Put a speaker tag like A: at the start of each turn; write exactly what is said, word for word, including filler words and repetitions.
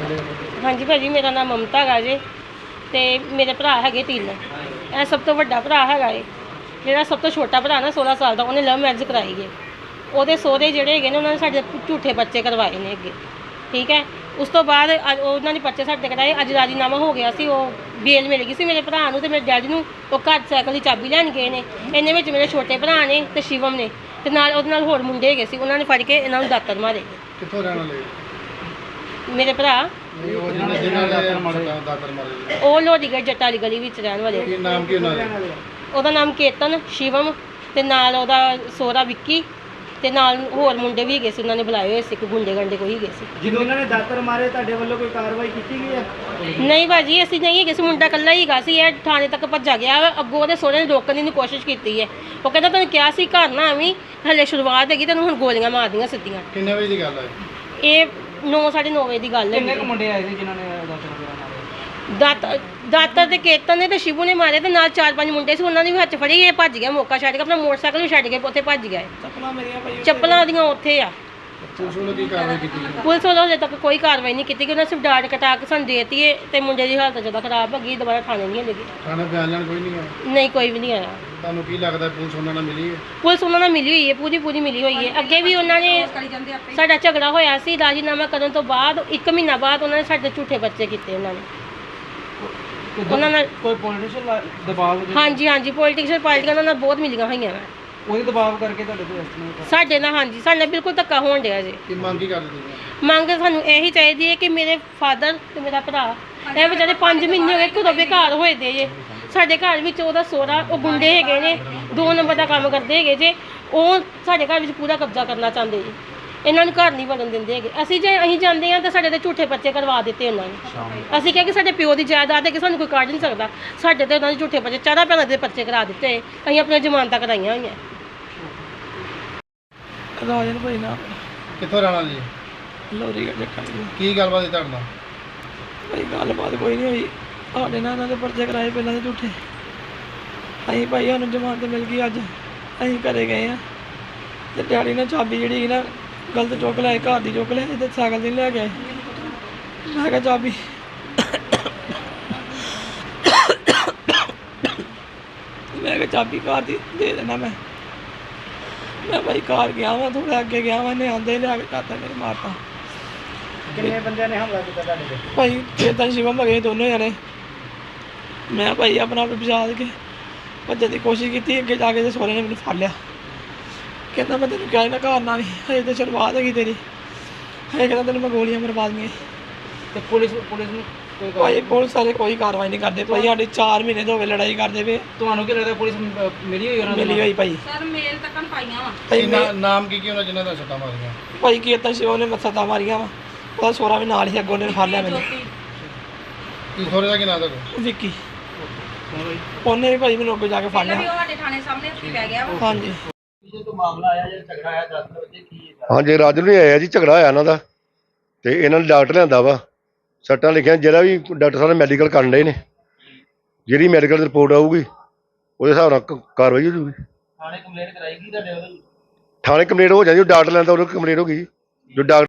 A: हाँ जी भाजी, मेरा नाम ममता है जे ते मेरे भरा है तीन। यह सब तो वड्डा भरा है, जोड़ा सब तो छोटा भरा ना सोलह साल का, उन्हें लव मैरिज कराई है। वो सोहरे जोड़े है उन्होंने साढ़े झूठे बच्चे करवाए ने अगे, ठीक है। उस तो बाद उन्होंने बच्चे साढ़े कराए, अज राजीनामा हो गया सी, वो बेल मिल गई सी मेरे भरा नूं ते मेरे डैडी नूं। वो घर साइकिल की चाबी लैन गए ने, इन्हें विच मेरे छोटे भरा ने ते शिवम ने ते नाल उहदे नाल होर मुंडे हैगे सी, उन्होंने फड़ के इन्हां नूं दातर मारे।
B: कित्थों रहण वाले
A: मेरे भरा ਉਹ ਲੋਹੜੀਗੜ੍ਹ ਜੱਟਾਂ ਵਾਲੀ ਗਲੀ ਵਿੱਚ ਰਹਿਣ ਵਾਲੇ।
B: ਕੀ ਨਾਮ ਕੀ ਉਹਨਾਂ ਦਾ?
A: ਉਹਦਾ ਨਾਮ ਕੇਤਨ, ਸ਼ਿਵਮ ਤੇ ਨਾਲ ਉਹਦਾ ਸੋਹਰਾ ਵਿੱਕੀ ਤੇ ਨਾਲ ਹੋਰ ਮੁੰਡੇ ਵੀ ਹੈਗੇ ਸੀ, ਉਹਨਾਂ ਨੇ ਬੁਲਾਏ ਹੋਏ ਸੀ, ਕੋਈ ਗੁੰਡੇ ਗੰਡੇ ਕੋਈ ਹੈਗੇ ਸੀ।
C: ਜਦੋਂ ਉਹਨਾਂ ਨੇ ਦਾਤਰ ਮਾਰੇ ਤੁਹਾਡੇ ਵੱਲੋਂ ਕੋਈ ਕਾਰਵਾਈ ਕੀਤੀ ਗਈ ਹੈ?
A: ਨਹੀਂ ਭਾਜੀ, ਅਸੀਂ ਨਹੀਂ ਹੈਗੇ ਸੀ, ਮੁੰਡਾ ਇਕੱਲਾ ਹੀ ਹੈਗਾ ਸੀ। ਇਹ ਥਾਣੇ ਤੱਕ ਭੱਜਾ ਗਿਆ, ਅੱਗੋਂ ਉਹਦੇ ਸੋਹਰੇ ਨੇ ਰੋਕਣ ਦੀ ਕੋਸ਼ਿਸ਼ ਕੀਤੀ ਹੈ। ਉਹ ਕਹਿੰਦਾ ਤੈਨੂੰ ਕਿਹਾ ਸੀ ਘਰ ਨਾ ਆਵੀਂ, ਹਲੇ ਸ਼ੁਰੂਆਤ ਹੈਗੀ, ਤੈਨੂੰ ਹੁਣ ਗੋਲੀਆਂ ਮਾਰਦੀਆਂ ਸਿੱਧੀਆਂ।
B: ਕਿੰਨੇ ਵਜੇ ਦੀ ਗੱਲ ਹੈ
A: ਇਹ ਨੌ ਸਾਢੇ ਨੌ ਵਜੇ ਦੀ ਗੱਲ ਹੈ।
C: ਕਿੰਨੇ ਕੁ ਮੁੰਡੇ ਆਏ ਸੀ ਜਿਨ੍ਹਾਂ ਨੇ ਦਾਤਰ ਮਾਰੇ?
A: ਦਾਤਰ ਦਾਤਰ ਤੇ ਕੇਤਨ ਨੇ ਤੇ ਸ਼ਿਵੂ ਨੇ ਮਾਰੇ ਤੇ ਨਾਲ ਚਾਰ ਪੰਜ ਮੁੰਡੇ ਸੀ, ਉਹਨਾਂ ਨੇ ਵੀ ਹੱਥ ਫੜੀ। ਇਹ ਭੱਜ ਗਿਆ, ਮੌਕਾ ਛੱਡ ਕੇ ਆਪਣਾ ਮੋਟਰਸਾਈਕਲ ਵੀ ਛੱਡ ਕੇ ਉੱਥੇ ਭੱਜ ਗਿਆ।
C: ਚੱਪਲਾਂ ਮੇਰੀਆਂ ਭਾਈ
A: ਚੱਪਲਾਂ ਉਹਦੀਆਂ ਉੱਥੇ ਆ।
B: ਪੁਲਿਸ ਵੱਲੋਂ ਕੀ ਕਾਰਵਾਈ ਕੀਤੀ ਗਈ?
A: ਪੁਲਿਸ ਵੱਲੋਂ ਹਜੇ ਤੱਕ ਕੋਈ ਕਾਰਵਾਈ ਨਹੀਂ ਕੀਤੀ, ਕਿ ਉਹਨਾਂ ਸਿਰਫ ਡਾਟ ਕਟਾ ਕੇ ਸਾਨੂੰ ਦੇਤੀ ਹੈ ਤੇ ਮੁੰਡੇ ਦੀ ਹਾਲਤ ਜ਼ਿਆਦਾ ਖਰਾਬ ਹੋ ਗਈ, ਦੁਬਾਰਾ ਥਾਣੇ ਨਹੀਂ ਲੱਗੀ।
B: ਥਾਣੇ ਬਿਆਨ ਲੈਣ ਕੋਈ ਨਹੀਂ ਆਇਆ?
A: ਨਹੀਂ, ਕੋਈ ਵੀ ਨਹੀਂ ਆਇਆ।
B: ਤੁਹਾਨੂੰ ਕੀ ਲੱਗਦਾ ਪੁਲਿਸ ਉਹਨਾਂ ਨਾਲ ਮਿਲੀ ਹੈ?
A: ਪੁਲਿਸ ਉਹਨਾਂ ਨਾਲ ਮਿਲੀ ਹੋਈ ਹੈ, ਪੂਰੀ ਪੂਰੀ ਮਿਲੀ ਹੋਈ ਹੈ। ਅੱਗੇ ਵੀ ਉਹਨਾਂ ਨੇ ਸਾਡਾ ਝਗੜਾ ਹੋਇਆ ਸੀ, ਰਾਜੀਨਾਮਾ ਕਰਨ ਤੋਂ ਬਾਅਦ ਇੱਕ ਮਹੀਨਾ ਬਾਅਦ ਉਹਨਾਂ ਨੇ ਸਾਡੇ ਝੂਠੇ ਬੱਚੇ ਕੀਤੇ। ਉਹਨਾਂ ਨੇ ਉਹਨਾਂ ਨਾਲ
C: ਕੋਈ ਪੋਲੀਟੀਸ਼ੀਅਨ ਦਬਾਅ?
A: ਹਾਂਜੀ ਹਾਂਜੀ, ਪੋਲੀਟੀਸ਼ੀਅਨ ਪਾਰਟੀਆਂ ਉਹਨਾਂ ਨਾਲ ਬਹੁਤ ਮਿਲੀਆਂ ਹੋਈਆਂ ਵਾ।
C: ਉਹਦੇ ਦਬਾਅ ਕਰਕੇ ਤੁਹਾਡੇ ਤੋਂ ਐਸਟੀਮੇਟ
A: ਸਾਡੇ ਨਾਲ ਹਾਂਜੀ, ਸਾਡੇ ਨਾਲ ਬਿਲਕੁਲ ਧੱਕਾ ਹੋਣ ਡਿਆ ਜੀ।
B: ਕੀ ਮੰਗ ਕੀ ਕਰਦੇ ਤੁਸੀਂ?
A: ਮੰਗ ਸਾਨੂੰ ਇਹੀ ਚਾਹੀਦੀ ਹੈ ਕਿ ਮੇਰੇ ਫਾਦਰ ਤੇ ਮੇਰਾ ਭਰਾ ਇਹ ਵਿਚਾਰੇ ਪੰਜ ਮਹੀਨੇ ਹੋ ਗਏ ਘਰੋਂ ਬੇਘਰ ਹੋਏ ਦੇ ਜੇ। ਸਾਡੇ ਘਰ ਵਿੱਚ ਉਹਦਾ ਸੋਹਰਾ, ਉਹ ਗੁੰਡੇ ਹੈਗੇ ਨੇ, ਦੋ ਨੰਬਰ ਦਾ ਕੰਮ ਕਰਦੇ ਹੈਗੇ ਜੇ। ਉਹ ਸਾਡੇ ਘਰ ਵਿੱਚ ਪੂਰਾ ਕਬਜ਼ਾ ਕਰਨਾ ਚਾਹੁੰਦੇ ਜੀ, ਇਹਨਾਂ ਨੂੰ ਘਰ ਨਹੀਂ ਵੜਨ ਦਿੰਦੇ ਹੈਗੇ। ਅਸੀਂ ਜੇ ਅਸੀਂ ਜਾਂਦੇ ਹਾਂ ਤਾਂ ਸਾਡੇ ਤੇ ਝੂਠੇ ਬੱਚੇ ਕਰਵਾ ਦਿੱਤੇ ਉਹਨਾਂ ਨੇ। ਅਸੀਂ ਕਿਹਾ ਕਿ ਸਾਡੇ ਪਿਓ ਦੀ ਜਾਇਦਾਦ ਹੈ ਕਿ ਸਾਨੂੰ ਕੋਈ ਕੱਢ ਨਹੀਂ ਸਕਦਾ, ਸਾਡੇ ਤੇ ਉਹਨਾਂ ਦੇ ਝੂਠੇ ਬੱਚੇ ਚਾਰਾਂ ਭੈਣਾਂ ਦੇ ਬੱਚੇ ਕਰਾ ਦਿੱਤੇ। ਅਸੀਂ ਆਪਣੀਆਂ ਜ਼ਮਾਨਤਾਂ ਕਰਾਈਆਂ ਹੋਈਆਂ।
C: ਰਾਜਨ ਭਾਈ ਨਾ
B: ਕਿੱਥੋਂ ਰਹਿਣ ਵਾਲੇ ਜੀ?
C: ਲੋਹੜੀਗੜ੍ਹ ਜੱਟਾਂ ਦੀ
B: ਕੀ ਗੱਲਬਾਤ ਹੈ ਤੁਹਾਡੇ ਨਾਲ?
C: ਭਾਈ ਗੱਲਬਾਤ ਕੋਈ ਨਹੀਂ ਹੋਈ, ਸਾਡੇ ਨਾਲ ਇਹਨਾਂ ਦੇ ਪਰਚੇ ਕਰਾਏ ਪਹਿਲਾਂ ਦੇ ਝੂਠੇ। ਅਸੀਂ ਭਾਈ ਸਾਨੂੰ ਜ਼ਮਾਨਤ ਮਿਲ ਗਈ ਅੱਜ, ਅਸੀਂ ਘਰੇ ਗਏ ਹਾਂ ਤੇ ਡੈਡੀ ਨੇ ਚਾਬੀ ਜਿਹੜੀ ਸੀ ਨਾ ਗਲਤ ਚੁੱਕ ਲਿਆਏ, ਘਰ ਦੀ ਚੁੱਕ ਲਿਆਏ ਤੇ ਸਾਈਕਲ ਦੀ ਲੈ ਗਏ। ਮੈਂ ਕਿਹਾ ਚਾਬੀ ਮੈਂ ਕਿਹਾ ਚਾਬੀ ਘਰ ਦੀ ਦੇ ਦੇਣਾ। ਮੈਂ ਮੈਂ ਭਾਈ ਘਰ ਗਿਆ ਵਾਂ, ਥੋੜਾ ਅੱਗੇ ਗਿਆ ਵਾਂ, ਇਹਨੇ ਆਉਂਦੇ ਲਿਆ ਕੇ ਕਾਤਾ ਮੇਰੇ ਮਾਰਤਾ। ਕਿੰਨੇ ਬੰਦਿਆਂ ਨੇ ਹਮਲਾ ਕੀਤਾ ਤੁਹਾਡੇ ਤੇ? ਭਾਈ ਚੇਤਨ ਸ਼ਿਵਮ ਹੈਗੇ ਦੋਨੋਂ ਜਣੇ। ਮੈਂ ਭਾਈ ਆਪਣਾ ਆਪ ਬਚਾ ਕੇ ਭੱਜਣ ਦੀ ਕੋਸ਼ਿਸ਼ ਕੀਤੀ, ਅੱਗੇ ਜਾ ਕੇ ਤੇ ਸੋਹਰੇ ਨੇ ਮੈਨੂੰ ਫੜ ਲਿਆ। ਕਹਿੰਦਾ ਮੈਂ ਤੈਨੂੰ ਕਿਹਾ ਨਾ ਘਰ ਨਾ ਵੀ, ਹਜੇ ਤਾਂ ਸ਼ੁਰੂਆਤ ਹੈਗੀ ਤੇਰੀ, ਹਜੇ ਕਹਿੰਦਾ ਤੈਨੂੰ ਮੈਂ ਗੋਲੀਆਂ ਮਰਵਾ ਦਈਆਂ। ਤੇ ਪੁਲਿਸ ਪੁਲਿਸ ਨੂੰ ਭਾਈ ਪੁਲਿਸ ਵਾਲੇ ਕੋਈ ਕਾਰਵਾਈ ਨਹੀਂ ਕਰਦੇ ਭਾਈ। ਸਾਡੇ ਚਾਰ ਮਹੀਨੇ ਤੋਂ ਹੋ ਗਏ ਲੜਾਈ ਕਰਦੇ ਪਏ। ਤੁਹਾਨੂੰ ਕੀ ਲੱਗਦਾ ਪੁਲਿਸ ਮਿਲੀ ਹੋਈ ਉਹਨਾਂ ਨੂੰ? ਮਿਲੀ ਹੋਈ ਭਾਈ। ਸਰ ਮੇਲ ਤੱਕ ਪਾਈਆਂ ਵਾ
B: ਕੀ ਨਾਮ ਕੀ ਕੀ ਉਹਨਾਂ ਜਿਨ੍ਹਾਂ ਦਾ ਸੱਟਾਂ ਮਾਰੀਆਂ?
C: ਭਾਈ ਕੇਤਨ ਸ਼ਿਵ ਨੇ ਸੱਟਾਂ ਮਾਰੀਆਂ ਵਾ, ਉਹਦਾ ਸੋਹਰਾ ਵੀ ਨਾਲ ਹੀ ਅੱਗੋਂ ਨੇ ਫੜ ਲਿਆ ਮੈਨੂੰ।
B: ਕੀ ਸੋਹਰੇ ਦਾ ਕੀ ਨਾਮ ਤੁਹਾਡਾ?
C: ਵਿੱਕੀ। ਉਹਨੇ ਵੀ ਭਾਈ ਮੈਨੂੰ ਅੱਗੇ ਜਾ ਕੇ ਫੜ ਲਿਆ।
A: ਸਾਡੇ ਥਾਣੇ ਸਾਹਮਣੇ ਉੱਥੇ ਪੈ ਗਿਆ ਵਾ।
C: ਹਾਂਜੀ
D: ਮਾਮਲਾ ਆਇਆ ਜਿਹੜਾ ਝਗੜਾ ਆਇਆ ਦਸ ਵਜੇ ਕੀ ਹੈ? ਹਾਂਜੀ, ਰਾਜੂ ਨਹੀਂ ਆਇਆ ਜੀ, ਝਗੜਾ ਹੋਇਆ ਇਹਨਾਂ ਦਾ ਤੇ ਇਹਨਾਂ ਨੇ ਡਾਕਟਰ ਲਿਆਂਦਾ ਵਾ, ਸੱਟਾਂ ਲਿਖਿਆ। ਜਿਹੜਾ ਵੀ ਡਾਕਟਰ ਸਾਹਿਬ ਮੈਡੀਕਲ ਕਰਨ ਡਏ ਨੇ, ਜਿਹੜੀ ਮੈਡੀਕਲ ਰਿਪੋਰਟ ਆਊਗੀ ਉਹਦੇ ਹਿਸਾਬ ਨਾਲ ਕਾਰਵਾਈ ਹੋ ਜੂਗੀ।
C: ਥਾਣੇ ਕੰਪਲੇਂਟ ਕਰਾਈ ਗਈ ਤੁਹਾਡੇ ਵੱਲੋਂ?
D: ਥਾਣੇ ਕੰਪਲੇਂਟ ਹੋ ਜਾਂਦੀ, ਡਾਕਟਰ ਲੈਂਦਾ ਉਹਨੂੰ ਕੰਪਲੇਂਟ ਹੋ ਗਈ ਜੋ ਡਾਕਟਰ